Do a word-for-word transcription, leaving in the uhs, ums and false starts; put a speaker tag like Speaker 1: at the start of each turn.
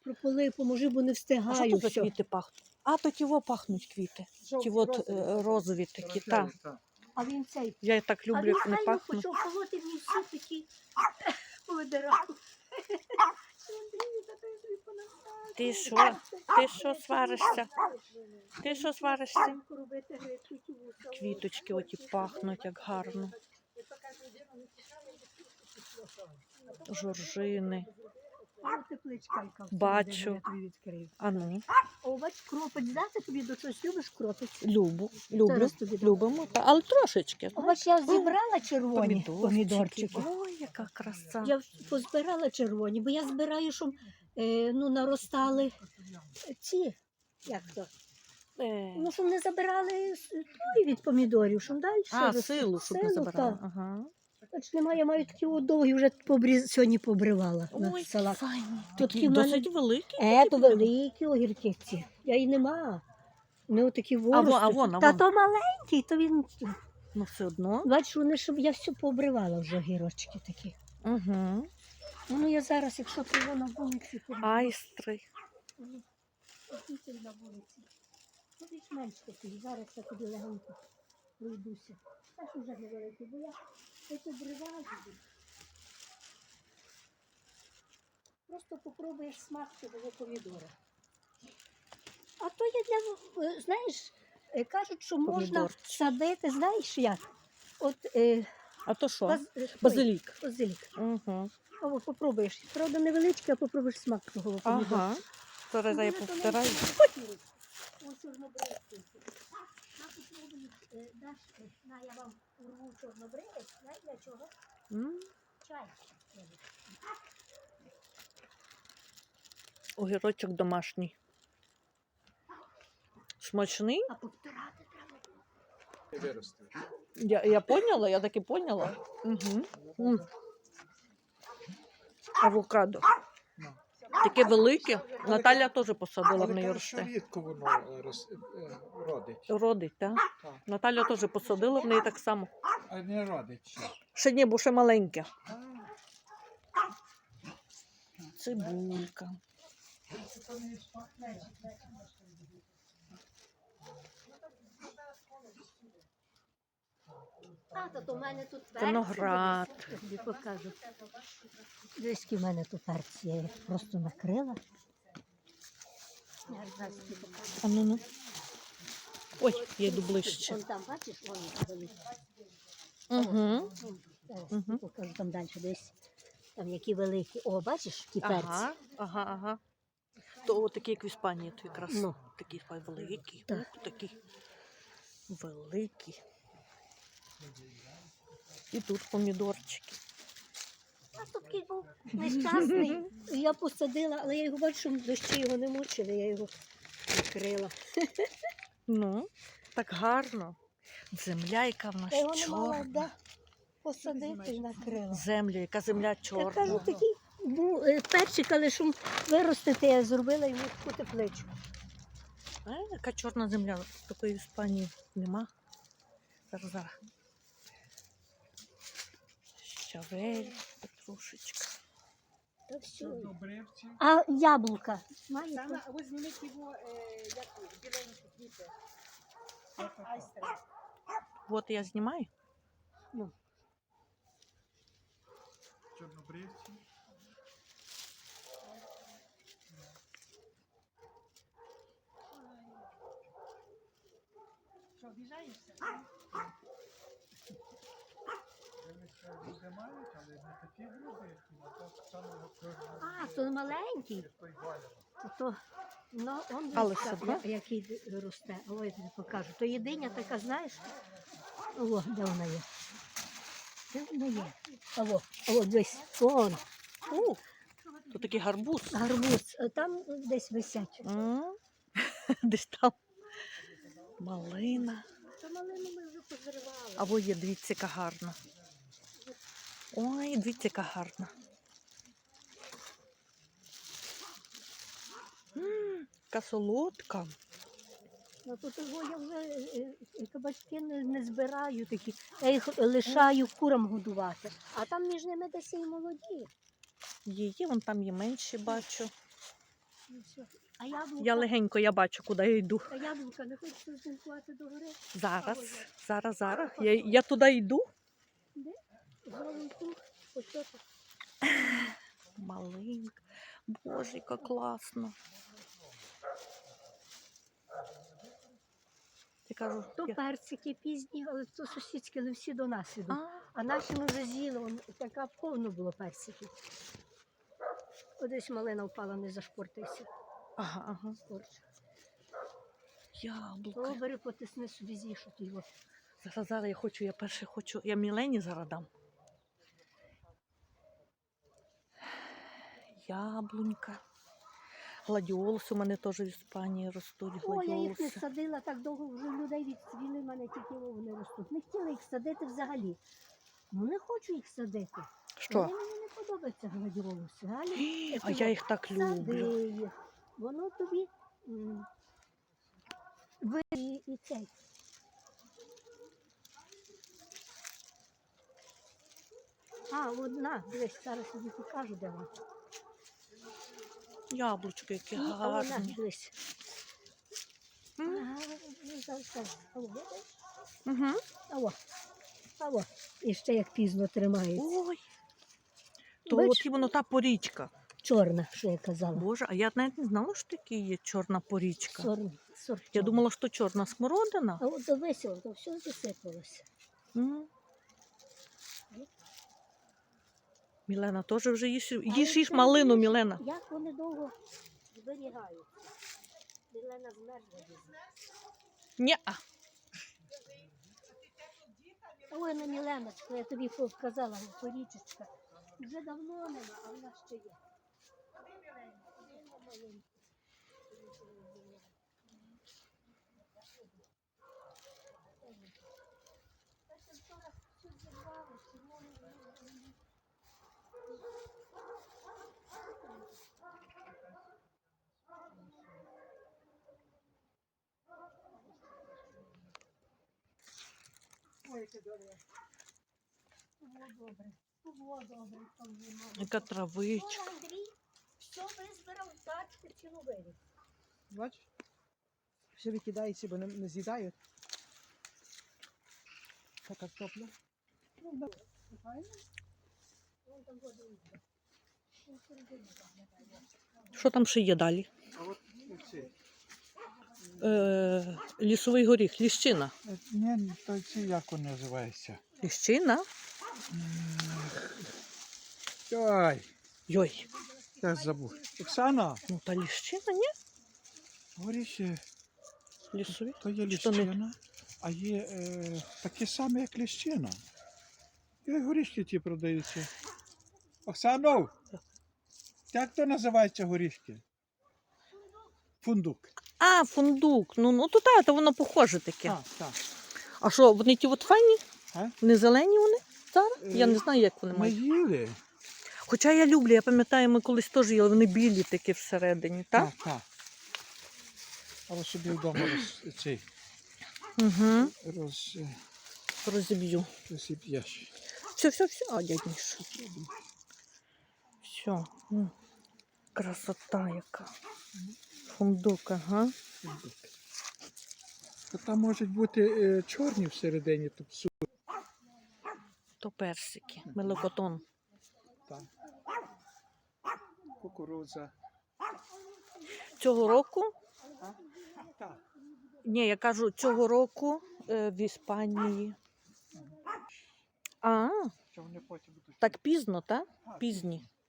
Speaker 1: Прополи, поможи, бо не
Speaker 2: А
Speaker 1: встигаю.
Speaker 2: що то за
Speaker 1: всьо.
Speaker 2: квіти пахнуть? А, то ті во пахнуть квіти. Ті от е, розові такі, так.
Speaker 1: А він цей.
Speaker 2: Я і так
Speaker 1: А
Speaker 2: люблю,
Speaker 1: він
Speaker 2: як вони
Speaker 1: файно
Speaker 2: пахнуть.
Speaker 1: почав колоти мені всі такі видирав.
Speaker 2: Ти що? Ти що сваришся? Ти що сваришся? Квіточки оті пахнуть, як гарно. Жоржини. Бачу. А ну.
Speaker 1: О, бач, кропець, да? Ти тобі до чогось любиш кропець?
Speaker 2: Любу, люблю,
Speaker 1: Зараз тобі дам.
Speaker 2: любимо, та- але трошечки.
Speaker 1: О, бач, я зібрала червоні
Speaker 2: Помідорчики.
Speaker 1: помідорчики.
Speaker 2: Ой, яка краса.
Speaker 1: Я позбирала червоні, бо я збираю, щоб е, ну, наростали ці, як то,
Speaker 2: Е,
Speaker 1: ну, щоб не забирали с- той від помідорів, щоб далі.
Speaker 2: А,
Speaker 1: рос-
Speaker 2: силу, щоб не
Speaker 1: силу,
Speaker 2: забирала.
Speaker 1: так.
Speaker 2: Ага.
Speaker 1: Бач, немає, я маю такі от довгі, вже побріз... сьогодні побривала на
Speaker 2: Ой,
Speaker 1: салат.
Speaker 2: файні.
Speaker 1: Тут
Speaker 2: Такі
Speaker 1: ті в мене-
Speaker 2: досить великі.
Speaker 1: Е, то великі огірки ці. Я і нема. Не отакі ворости.
Speaker 2: а вон, а
Speaker 1: Та
Speaker 2: вон.
Speaker 1: то маленький, то він,
Speaker 2: Ну все одно.
Speaker 1: бачиш, вони, щоб я все пообривала вже огірочки такі.
Speaker 2: Угу.
Speaker 1: Ну, я зараз, якщо ти його на вулиці, то
Speaker 2: Айстри.
Speaker 1: Дітей на вулиці. Ну, більш-менш такий. Зараз я тобі легенько пройдуся. Теж уже невеликий, бо я це обриваю. Просто попробуєш смак цього помідора. А то є для, е, знаєш, е, кажуть, що можна
Speaker 2: Помідорчик.
Speaker 1: садити, знаєш як? От е,
Speaker 2: А то що?
Speaker 1: баз, е, той,
Speaker 2: Базилік.
Speaker 1: базилік.
Speaker 2: Угу.
Speaker 1: О, попробуєш. Правда, невеличкий, а попробуєш смак того помідора.
Speaker 2: Ага. Зараз я повторяю.
Speaker 1: Ось чорнобривці. На попробую, е, даш, е, на, я вам урву чорнобривець, знаєш для чого?
Speaker 2: М,
Speaker 1: Чай.
Speaker 2: Огірочок домашній. Смачний?
Speaker 1: А повторати треба.
Speaker 3: Виросте.
Speaker 2: Я, я поняла, я так і поняла. Угу. Авокадо.
Speaker 3: Ну.
Speaker 2: Таке велике. Наталя теж посадила в
Speaker 3: Але
Speaker 2: неї
Speaker 3: кажуть, що
Speaker 2: росте.
Speaker 3: рідко воно е, рос- е, родить.
Speaker 2: Родить, так?
Speaker 3: Так.
Speaker 2: Наталя теж посадила в неї так само.
Speaker 3: А не родить ще.
Speaker 2: Ще ні, бо ще маленьке.
Speaker 3: А,
Speaker 2: Цибулька.
Speaker 1: А, то, то в мене тут перці.
Speaker 2: Виноград.
Speaker 1: Я тобі покажу. Десь які в мене тут перці. Я їх просто накрила. Я зараз тобі покажу.
Speaker 2: А ну ну. Ой, я йду ближче.
Speaker 1: Вон там, бачиш, вон великі.
Speaker 2: Угу.
Speaker 1: Вон, зараз
Speaker 2: Мгм.
Speaker 1: тобі покажу там далі десь. Там які великі. О, бачиш, які перці.
Speaker 2: Ага, ага, ага. То такі, як в Іспанії, то якраз
Speaker 1: Ну.
Speaker 2: такі великі.
Speaker 1: Так.
Speaker 2: Ух, такі великі. І тут помідорчики.
Speaker 1: А тут такий був нещасний. Я посадила, але я його бачу, що дощі його не мучили, я його накрила.
Speaker 2: Ну, так гарно. Земля, яка в нас
Speaker 1: Я його не мала
Speaker 2: чорна.
Speaker 1: да, посадити і накрила.
Speaker 2: Земля, яка земля
Speaker 1: Я
Speaker 2: чорна.
Speaker 1: кажу, такий був е, перчик, але щоб виростити, я зробила йому таку тепличку.
Speaker 2: А, яка чорна земля. Такої в Іспанії нема. Зараз, зараз. Щавель, петрушечка.
Speaker 1: Та все.
Speaker 3: чорнобривці.
Speaker 1: А яблука? Маєте?
Speaker 4: Саме, а ви зніміть його, е, як біленькі квіти. Айстри.
Speaker 2: От я знімаю.
Speaker 3: Чорнобривці.
Speaker 4: Що, обіжаєшся?
Speaker 3: Вони ще люди мають, але не такі грубі, а то саме
Speaker 1: А, то маленький.
Speaker 3: той валяно.
Speaker 1: То, то, ну, он
Speaker 2: Але
Speaker 1: десь
Speaker 2: все
Speaker 1: так,
Speaker 2: одно.
Speaker 1: я- який росте. Ой, я тобі покажу. То єдиня така, знаєш? О, де вона є? Де вона є? О, о, десь. Вон,
Speaker 2: У, то такий гарбуз.
Speaker 1: гарбуз. А там десь висять.
Speaker 2: М, Десь там. Малина.
Speaker 1: Та малину ми вже позривали.
Speaker 2: А во є, дивіться, яка гарна. Ой, дивіться, яка гарна. М, Яка солодка.
Speaker 1: Ну, то того я вже е, е, кабачки не, не збираю такі. Я їх лишаю курам годувати. А там між ними десь і молоді.
Speaker 2: Є, є, вон там є менші, бачу.
Speaker 1: Ну, все. А яблука,
Speaker 2: Я легенько, я бачу, куди я йду.
Speaker 1: а яблука не хочеться знімкувати до гори?
Speaker 2: Зараз,
Speaker 1: Або я.
Speaker 2: зараз, зараз. Я, я туди йду.
Speaker 1: Де? Знову круг. Ось тут.
Speaker 2: Маленька. Боже, яка класно. Я кажу,
Speaker 1: То
Speaker 2: я...
Speaker 1: персики пізні, але то сусідські, але всі до нас ідуть.
Speaker 2: А,
Speaker 1: А наші ми вже з'їли, он така повно було персиків. Одесь малина впала, не зашпортився.
Speaker 2: ага, ага.
Speaker 1: Скорче.
Speaker 2: Яблука.
Speaker 1: О, бери, потисни собі з'їж його.
Speaker 2: Зараз, зараз я хочу, я перше хочу, я Мілені зараз дам. Яблунька. Гладіолуси у мене теж в Іспанії ростуть.
Speaker 1: О, я їх не
Speaker 2: Гладіолуси.
Speaker 1: садила так довго, вже людей відцвіли, в мене тільки вони ростуть. Не хотіла їх садити взагалі. Ну не хочу їх садити.
Speaker 2: Що?
Speaker 1: Вони мені не подобаються гладіолуси. Галі,
Speaker 2: А я їх так люблю.
Speaker 1: сади їх. Воно тобі м, ви і, і цей. А, одна, дивись, зараз тобі покажу, де вона.
Speaker 2: Яблучко, які
Speaker 1: І, а вона,
Speaker 2: гарні.
Speaker 1: дивись.
Speaker 2: М?
Speaker 1: Ага, ну, зараз, зараз. Алло, бачиш?
Speaker 2: Угу.
Speaker 1: Алло, алло. І ще як пізно тримається.
Speaker 2: Ой. То
Speaker 1: Бач?
Speaker 2: от і воно та порічка.
Speaker 1: Чорна, що я казала.
Speaker 2: Боже, а я навіть не знала, що таке є чорна порічка.
Speaker 1: Сорт, сорт
Speaker 2: Я
Speaker 1: чорний.
Speaker 2: думала, що чорна смородина.
Speaker 1: А от дивися, то все засипалося.
Speaker 2: М. Мілена теж вже їж,
Speaker 1: Але
Speaker 2: їж, їж
Speaker 1: це
Speaker 2: малину,
Speaker 1: знаєш,
Speaker 2: Мілена.
Speaker 1: Як вони довго зберігають. Мілена змерзла дуже.
Speaker 2: Ні.
Speaker 1: Ой, ну Міленочка, я тобі показала, порічечка. Вже давно нема, а вона ще є.
Speaker 4: Ой, яке добре.
Speaker 1: Було добре. Було добре, там нема.
Speaker 2: Яка травичка.
Speaker 1: О, Андрій, все визбирав, тачки цілу вивіз.
Speaker 3: Бачиш? Все викидається, бо не, не з'їдають. Та картопля. Ну, да. Файно.
Speaker 1: Вон там воду йде. Вон середину там не дає.
Speaker 2: Що там ще є далі?
Speaker 3: А от ці.
Speaker 2: Е, лісовий горіх, ліщина.
Speaker 3: Е, Ні, то ці як він називається?
Speaker 2: Ліщина?
Speaker 3: Ой,
Speaker 2: Йой.
Speaker 3: я забув. Оксана,
Speaker 2: Ну та ліщина, ні?
Speaker 3: горіхи,
Speaker 2: Лісові.
Speaker 3: то є
Speaker 2: Чи то не-
Speaker 3: ліщина, а є е, такі самі, як ліщина. І горішки ті продаються. Оксано, як то називається горішки? Фундук.
Speaker 2: А, фундук. Ну, ну то так, то воно похоже таке.
Speaker 3: Так, так.
Speaker 2: А що, вони ті от файні?
Speaker 3: А?
Speaker 2: Не зелені вони? Зараз? Я
Speaker 3: Е,
Speaker 2: не знаю, як вони
Speaker 3: Ми
Speaker 2: мають.
Speaker 3: їли.
Speaker 2: Хоча я люблю, я пам'ятаю, ми колись теж їли, вони білі такі всередині, так?
Speaker 3: Так, так. Але собі вдома роз, цей,
Speaker 2: Угу.
Speaker 3: роз, е,
Speaker 2: Розіб'ю.
Speaker 3: розіб'єш.
Speaker 2: Все, все, все. А, дядь Міша. Все. М. Красота яка. Фундук, ага.
Speaker 3: Фундук. То там можуть бути е, чорні всередині, то псу.
Speaker 2: То персики. Мелокотон.
Speaker 3: Так. Кукурудза.
Speaker 2: Цього року,
Speaker 3: Так.
Speaker 2: ні, я кажу, цього року е, в Іспанії. А,
Speaker 3: Що вони потім будуть.
Speaker 2: так пізно, так?
Speaker 3: Так,
Speaker 2: Пізні.